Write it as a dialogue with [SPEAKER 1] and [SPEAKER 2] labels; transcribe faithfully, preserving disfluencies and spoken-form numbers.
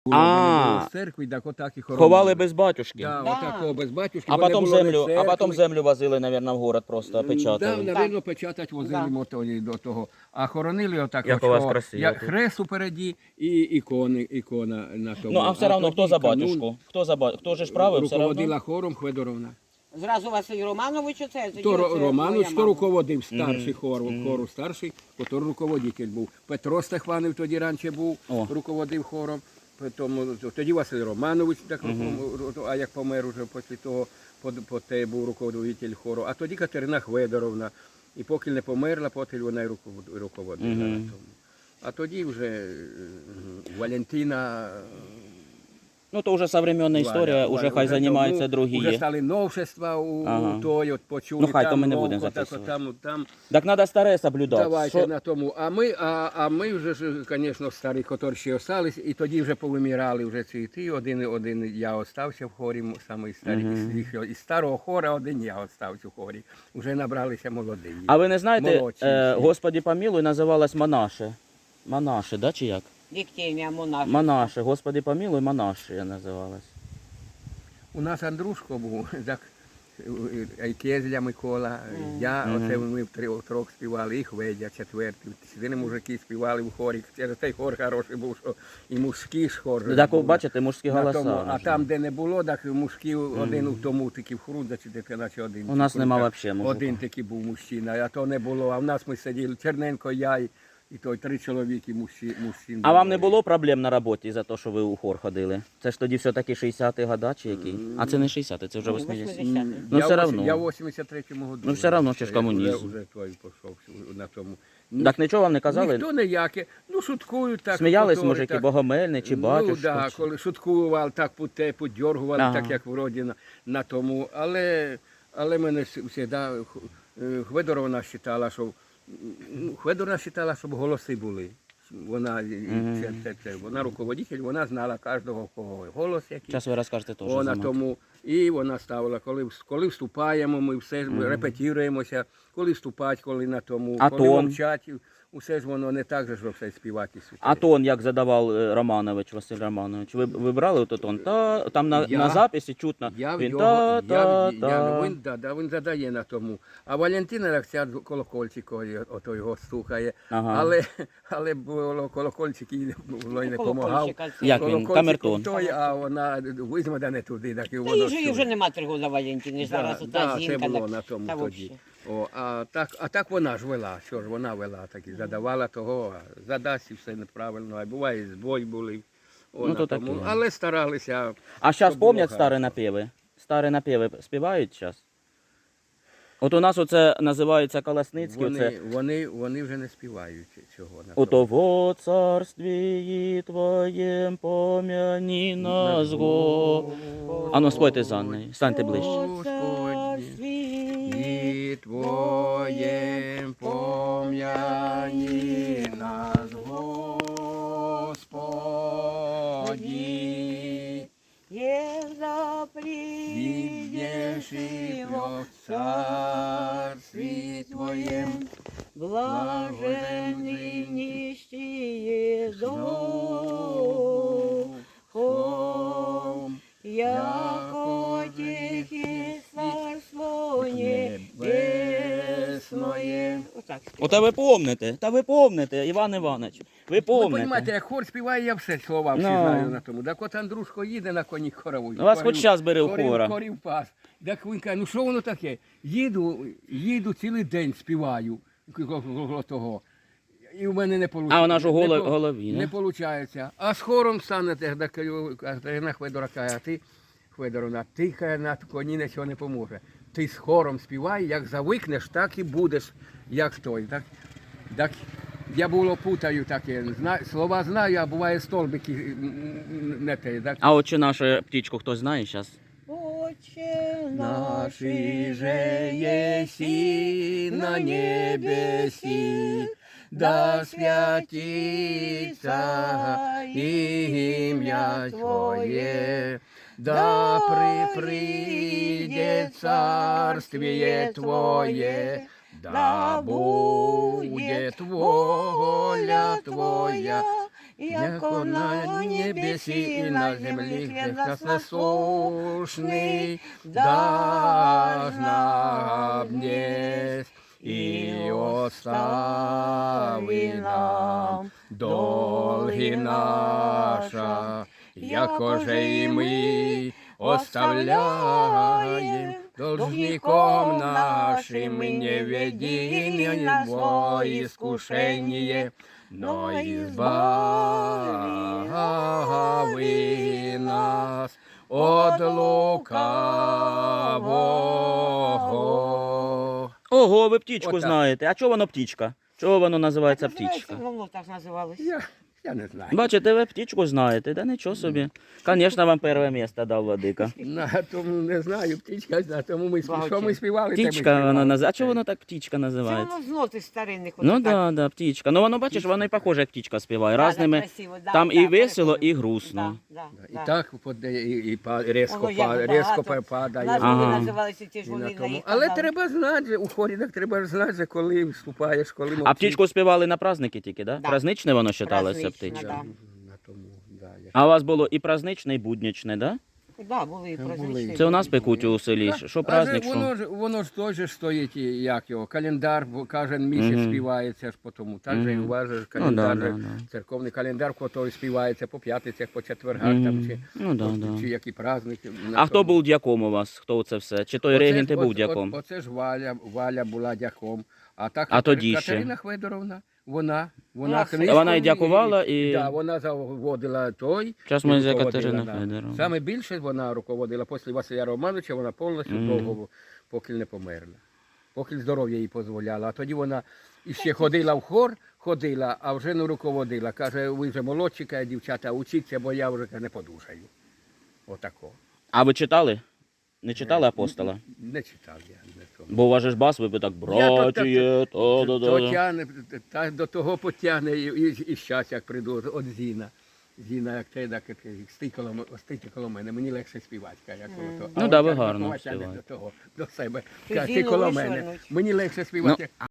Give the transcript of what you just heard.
[SPEAKER 1] Було, в мене було
[SPEAKER 2] А,
[SPEAKER 1] з церкви, так отак і хоронили.
[SPEAKER 2] ховали без батюшки.
[SPEAKER 1] Да,
[SPEAKER 3] Да.
[SPEAKER 1] отакого без батюшки.
[SPEAKER 2] А
[SPEAKER 1] бо не
[SPEAKER 2] потім
[SPEAKER 1] було ні
[SPEAKER 2] землю, а
[SPEAKER 1] церкви.
[SPEAKER 2] потім землю возили, мабуть, в город просто,
[SPEAKER 1] Да,
[SPEAKER 2] печатали.
[SPEAKER 1] напевно, печатать возили
[SPEAKER 3] Да.
[SPEAKER 1] мотої до того. А хоронили отак,
[SPEAKER 2] Як
[SPEAKER 1] от,
[SPEAKER 2] у вас
[SPEAKER 1] що
[SPEAKER 2] красиво
[SPEAKER 1] як
[SPEAKER 2] тут.
[SPEAKER 1] хрест упереді і ікони, ікона на тому.
[SPEAKER 2] Ну, а все одно,
[SPEAKER 1] тоді
[SPEAKER 2] хто за
[SPEAKER 1] канун
[SPEAKER 2] батюшку? Хто за ба- Хто же ж правив все
[SPEAKER 1] руководила
[SPEAKER 2] одно?
[SPEAKER 1] хором Хведоровна.
[SPEAKER 3] Зразу Василь Романович оце.
[SPEAKER 1] То
[SPEAKER 3] тоді оце
[SPEAKER 1] Романович,
[SPEAKER 3] моя
[SPEAKER 1] то
[SPEAKER 3] мама.
[SPEAKER 1] руководив старший хор, хору старший, потім руководитель був. Петро Стефанів тоді раніше був,
[SPEAKER 2] О.
[SPEAKER 1] руководив хором. Потім, тоді Василь Романович, так, руков- а як помер уже після того, по, по те був руководитель хору. А тоді Катерина Хведоровна. І поки не померла, потім вона й руковод- руководила.
[SPEAKER 2] Мгм.
[SPEAKER 1] на тому. А тоді вже е, Валентина.
[SPEAKER 2] Ну, то вже современна історія,
[SPEAKER 1] Валя,
[SPEAKER 2] вже
[SPEAKER 1] Валя,
[SPEAKER 2] хай
[SPEAKER 1] вже
[SPEAKER 2] займаються
[SPEAKER 1] тому
[SPEAKER 2] другі.
[SPEAKER 1] Вже стали новшества у,
[SPEAKER 2] Ага.
[SPEAKER 1] у той, от почули.
[SPEAKER 2] Ну, хай, то
[SPEAKER 1] там
[SPEAKER 2] ми не
[SPEAKER 1] новко,
[SPEAKER 2] будемо
[SPEAKER 1] так,
[SPEAKER 2] записувати.
[SPEAKER 1] Там, там,
[SPEAKER 2] Так треба старе соблюдати.
[SPEAKER 1] давайте
[SPEAKER 2] Що-
[SPEAKER 1] на тому. А ми, а, а ми вже, ж, звісно, старі, які ще остались, і тоді вже повимирали вже ці ті. Один, один я остався в хорі, самий старий. Із, їх- із старого хора один я остався в хорі. Вже набралися молоді.
[SPEAKER 2] А ви не знаєте,
[SPEAKER 1] Молодці
[SPEAKER 2] е,
[SPEAKER 1] всі.
[SPEAKER 2] Господі помілуй називалась Монаше. Монаше, да, чи як?
[SPEAKER 3] Віктімія монах.
[SPEAKER 2] Монаше, Господи помілуй, Монаше я називалась.
[SPEAKER 1] У нас Андрушко був, так, Кезля Микола, я, оце ми втрьох трьох співали, і Хведя четвертий. Чотири мужики співали в хорі. Через той хор хороший був, що і мужський ж хор.
[SPEAKER 2] Так,
[SPEAKER 1] був.
[SPEAKER 2] бачите, мужські
[SPEAKER 1] На
[SPEAKER 2] голоса.
[SPEAKER 1] тому, а
[SPEAKER 2] наші.
[SPEAKER 1] там, де не було, так мужики один у тому таки в Хрудза, чи де наче один.
[SPEAKER 2] У нас
[SPEAKER 1] Чи
[SPEAKER 2] нема
[SPEAKER 1] так,
[SPEAKER 2] вообще мужика.
[SPEAKER 1] один такий був мужчина, а то не було. А в нас ми сиділи, Черненко, я і, і той три чоловіки мужчин. мужчин
[SPEAKER 2] А вам не було проблем на роботі за те, що ви у хор ходили? Це ж тоді все-таки шістдесяті года чи які? А це не шістдесяті, це вже
[SPEAKER 3] Ну,
[SPEAKER 2] вісімдесяті.
[SPEAKER 3] восьмидесяті.
[SPEAKER 2] Ну,
[SPEAKER 1] я
[SPEAKER 2] все
[SPEAKER 1] в осі-
[SPEAKER 2] равно.
[SPEAKER 1] Я в вісімдесят третьому году.
[SPEAKER 2] Ну, все равно, ще ж
[SPEAKER 1] Я
[SPEAKER 2] комунізм.
[SPEAKER 1] Вже, вже той пішов на тому.
[SPEAKER 2] Так нічого вам не казали?
[SPEAKER 1] Ніхто ніяке. Ну, шуткують так.
[SPEAKER 2] Сміялись
[SPEAKER 1] потім,
[SPEAKER 2] мужики,
[SPEAKER 1] так.
[SPEAKER 2] Богомельний чи
[SPEAKER 1] Ну,
[SPEAKER 2] батюшка?
[SPEAKER 1] да,
[SPEAKER 2] чи-
[SPEAKER 1] коли шуткували, так путе, подьоргували,
[SPEAKER 2] Ага.
[SPEAKER 1] так як вроді на, на тому. Але, але мене завжди Хведоровна вважала, що ну, Хведоровна вважала, щоб голоси були. Вона,
[SPEAKER 2] Мгм.
[SPEAKER 1] це, це, це, вона руководитель, вона знала кожного кого голос який.
[SPEAKER 2] Зараз ви розкажете теж.
[SPEAKER 1] Вона
[SPEAKER 2] за
[SPEAKER 1] тому і вона ставила, коли, коли вступаємо, ми все mm. репетіруємося, коли вступати, коли на тому,
[SPEAKER 2] А
[SPEAKER 1] коли
[SPEAKER 2] тон?
[SPEAKER 1] мовчать, усе ж воно не так же, що все співати.
[SPEAKER 2] А тон, як задавав е, Романович, Василь Романович, ви, ви брали ото тон? Та, там на,
[SPEAKER 1] Я-
[SPEAKER 2] на записі чутно.
[SPEAKER 1] Я в
[SPEAKER 2] він
[SPEAKER 1] його,
[SPEAKER 2] та,
[SPEAKER 1] я,
[SPEAKER 2] та,
[SPEAKER 1] я,
[SPEAKER 2] та.
[SPEAKER 1] він, да, да, він задає на тому. А Валентина так ця колокольчик ото його стукає.
[SPEAKER 2] Ага.
[SPEAKER 1] Але, але було колокольчик і було й не допомагав.
[SPEAKER 3] Колокольчика це.
[SPEAKER 2] Як він?
[SPEAKER 1] Колокольчик
[SPEAKER 2] Камертон.
[SPEAKER 1] той, а вона візьме да не туди, так і
[SPEAKER 3] Та
[SPEAKER 1] воно
[SPEAKER 3] їй же їй
[SPEAKER 1] чує.
[SPEAKER 3] вже нема три роки Валентини, зараз
[SPEAKER 1] Да,
[SPEAKER 3] ота
[SPEAKER 1] да,
[SPEAKER 3] жінка.
[SPEAKER 1] це було
[SPEAKER 3] так-
[SPEAKER 1] на тому
[SPEAKER 3] та
[SPEAKER 1] тоді.
[SPEAKER 3] вообще.
[SPEAKER 1] О, а, так, а так вона ж вела, що ж вона вела, так і задавала того, а задасть і все неправильно, а буває і збой були. О,
[SPEAKER 2] Ну,
[SPEAKER 1] на
[SPEAKER 2] то
[SPEAKER 1] тому.
[SPEAKER 2] таке.
[SPEAKER 1] Але старалися.
[SPEAKER 2] А зараз
[SPEAKER 1] щоб було
[SPEAKER 2] пам'ятають старі
[SPEAKER 1] хорошо.
[SPEAKER 2] напіви? Старі напіви співають зараз? От у нас оце називається Колосницький,
[SPEAKER 1] Вони,
[SPEAKER 2] оце
[SPEAKER 1] вони, вони вже не співають цього. На
[SPEAKER 2] «У
[SPEAKER 1] тому.
[SPEAKER 2] того царстві твоєм пом'яні нас го». А ну спойте за нею, станьте ближче.
[SPEAKER 1] Господні, і Твоєм пом'яні нас, Господі.
[SPEAKER 3] Є
[SPEAKER 1] Видевший в царстві Твоєм,
[SPEAKER 3] блаженний нищие
[SPEAKER 1] духом,
[SPEAKER 3] духом, яко тихий царство небесное. Отак співаю.
[SPEAKER 2] Ота ви помните, та ви помните, Іван Іванович, ви
[SPEAKER 1] Ви розумієте,
[SPEAKER 2] помните.
[SPEAKER 1] як хор співає, я все слова всі
[SPEAKER 2] Ну.
[SPEAKER 1] знаю на тому. Так от Андрушко їде на коні хорову.
[SPEAKER 2] Ну, вас хоч час бери в хора.
[SPEAKER 1] Хорів пас. Так він каже, ну що воно таке? Їду, їду цілий день співаю коло того. І в мене не виходить.
[SPEAKER 2] А вона ж у голо- голові,
[SPEAKER 1] не?
[SPEAKER 2] не?
[SPEAKER 1] Не виходить. А з хором станете, так Катерина Хведора каже, а ти, Хведоровна, ти каже, на коні нічого не поможе. Ти з хором співай, як завикнеш, так і будеш, як той. Так, так я було путаю таке, зна, слова знаю, а буває столбики м, не те. Так?
[SPEAKER 2] А от чи нашу птічку хтось знає зараз?
[SPEAKER 3] Отче
[SPEAKER 1] Наші же єсі на небесі, да святиться ім'я Твоє, да приприде царствіє Твоє, да буде воля Твоя,
[SPEAKER 3] Яко на небесі і на землі хліб нас насущний, даж нам днес, і остави нам долги наша, якоже і ми оставляємо должником нашим, не веди на зло искушение, но избави нас от лукавого.
[SPEAKER 2] Ого, ви птічку
[SPEAKER 1] Отак.
[SPEAKER 2] знаєте. А чого воно птічка? Чого воно називається птічка?
[SPEAKER 3] Воно так називалось.
[SPEAKER 1] Я, я не знаю.
[SPEAKER 2] Бачите, ви птічку знаєте, да нічого собі. Звісно, вам перше місце дав владика.
[SPEAKER 1] На тому не знаю, птичка, на тому ми спів- що ми співали, те ми
[SPEAKER 2] Птічка
[SPEAKER 1] співали.
[SPEAKER 2] вона називається. А чого воно так птічка
[SPEAKER 3] Це
[SPEAKER 2] називається?
[SPEAKER 3] воно з ноти старинних.
[SPEAKER 2] Ну
[SPEAKER 3] отак.
[SPEAKER 2] да, да, птічка. Ну воно бачиш, воно і похоже, як птічка співає.
[SPEAKER 3] Да, да,
[SPEAKER 2] Разними.
[SPEAKER 3] красиво, да,
[SPEAKER 2] Там
[SPEAKER 3] да,
[SPEAKER 2] і весело,
[SPEAKER 3] переходимо.
[SPEAKER 2] і грустно.
[SPEAKER 3] Да, да,
[SPEAKER 1] І
[SPEAKER 3] да.
[SPEAKER 1] так поде- і, і па- різко,
[SPEAKER 3] Воно як
[SPEAKER 1] па-
[SPEAKER 3] багато.
[SPEAKER 1] різко падає.
[SPEAKER 3] Назви
[SPEAKER 2] Ага.
[SPEAKER 3] називалися ті ж
[SPEAKER 1] І на
[SPEAKER 3] вони на
[SPEAKER 1] тому.
[SPEAKER 3] їх
[SPEAKER 1] Але
[SPEAKER 3] казали.
[SPEAKER 1] треба знати, же, у хорі так треба ж знати, же, коли вступаєш, коли
[SPEAKER 2] А
[SPEAKER 1] мовчиш.
[SPEAKER 2] птічку співали на праздники тільки, да?
[SPEAKER 3] Да.
[SPEAKER 2] Праздничне воно вважалося
[SPEAKER 3] Праздничне,
[SPEAKER 2] птичка.
[SPEAKER 3] да.
[SPEAKER 1] На тому, да, я-
[SPEAKER 2] А у вас було і праздничне, і буднічне, да?
[SPEAKER 3] Да, були
[SPEAKER 1] Були.
[SPEAKER 3] прозвичні.
[SPEAKER 2] Це у нас пекуть у селі.
[SPEAKER 1] Так,
[SPEAKER 2] Що
[SPEAKER 1] а
[SPEAKER 2] праздник,
[SPEAKER 1] же
[SPEAKER 2] що?
[SPEAKER 1] воно ж воно ж теж ж стоїть, і як його, календар, бо кожен місяць
[SPEAKER 2] Мгм.
[SPEAKER 1] співається ж по тому. Так же і
[SPEAKER 2] Мгм.
[SPEAKER 1] у вас же ж
[SPEAKER 2] Ну,
[SPEAKER 1] календар,
[SPEAKER 2] да,
[SPEAKER 1] же,
[SPEAKER 2] да, да.
[SPEAKER 1] церковний календар, який співається по п'ятницях, по четвергах, там,
[SPEAKER 2] Мгм.
[SPEAKER 1] чи,
[SPEAKER 2] Ну да,
[SPEAKER 1] чи
[SPEAKER 2] да.
[SPEAKER 1] які праздники. на
[SPEAKER 2] А хто
[SPEAKER 1] тому.
[SPEAKER 2] був дяком у вас? Хто це все? Чи той
[SPEAKER 1] Оце ж-
[SPEAKER 2] регент і був
[SPEAKER 1] от-
[SPEAKER 2] дяком?
[SPEAKER 1] от- Оце ж Валя, Валя була дяком. А так
[SPEAKER 2] А тоді
[SPEAKER 1] Катерина
[SPEAKER 2] ще?
[SPEAKER 1] Федоровна, вона, вона
[SPEAKER 3] Вона
[SPEAKER 1] книжку
[SPEAKER 2] Вона і дякувала, і-
[SPEAKER 1] Да, вона заводила той.
[SPEAKER 2] Зараз
[SPEAKER 1] і
[SPEAKER 2] ми за
[SPEAKER 1] руководила,
[SPEAKER 2] Катерину
[SPEAKER 1] да.
[SPEAKER 2] Федоровну.
[SPEAKER 1] Саме більше вона руководила після Василя Романовича, вона повністю
[SPEAKER 2] Мгм.
[SPEAKER 1] довго, поки не померла. Поки здоров'я їй дозволяло. А тоді вона іще ходила в хор, ходила, а вже не руководила. Каже, ви вже молодші, каже, дівчата, учіться, бо я вже каже, не подужаю. Отако.
[SPEAKER 2] А ви читали? Не читали апостола?
[SPEAKER 1] Не читав я. Не тому.
[SPEAKER 2] Бо у вас же ж бас, ви би так,
[SPEAKER 1] Я то-
[SPEAKER 2] братіє, то,
[SPEAKER 1] То
[SPEAKER 2] да, да, да.
[SPEAKER 1] тягне, та до того потягне і, і, і щас, як прийду от Зіна. Зіна, як те, так, стій коло, м- стійте коло мене, мені легше співати, каже, як коло того.
[SPEAKER 2] Ну
[SPEAKER 1] А
[SPEAKER 2] да,
[SPEAKER 1] от
[SPEAKER 2] ви
[SPEAKER 1] як
[SPEAKER 2] гарно
[SPEAKER 1] Микола тягне
[SPEAKER 2] співаєте.
[SPEAKER 1] до того, до себе.
[SPEAKER 3] Ти
[SPEAKER 1] Каже, ти
[SPEAKER 3] Зіну
[SPEAKER 1] коло
[SPEAKER 3] вишвернуть.
[SPEAKER 1] мене, мені легше співати.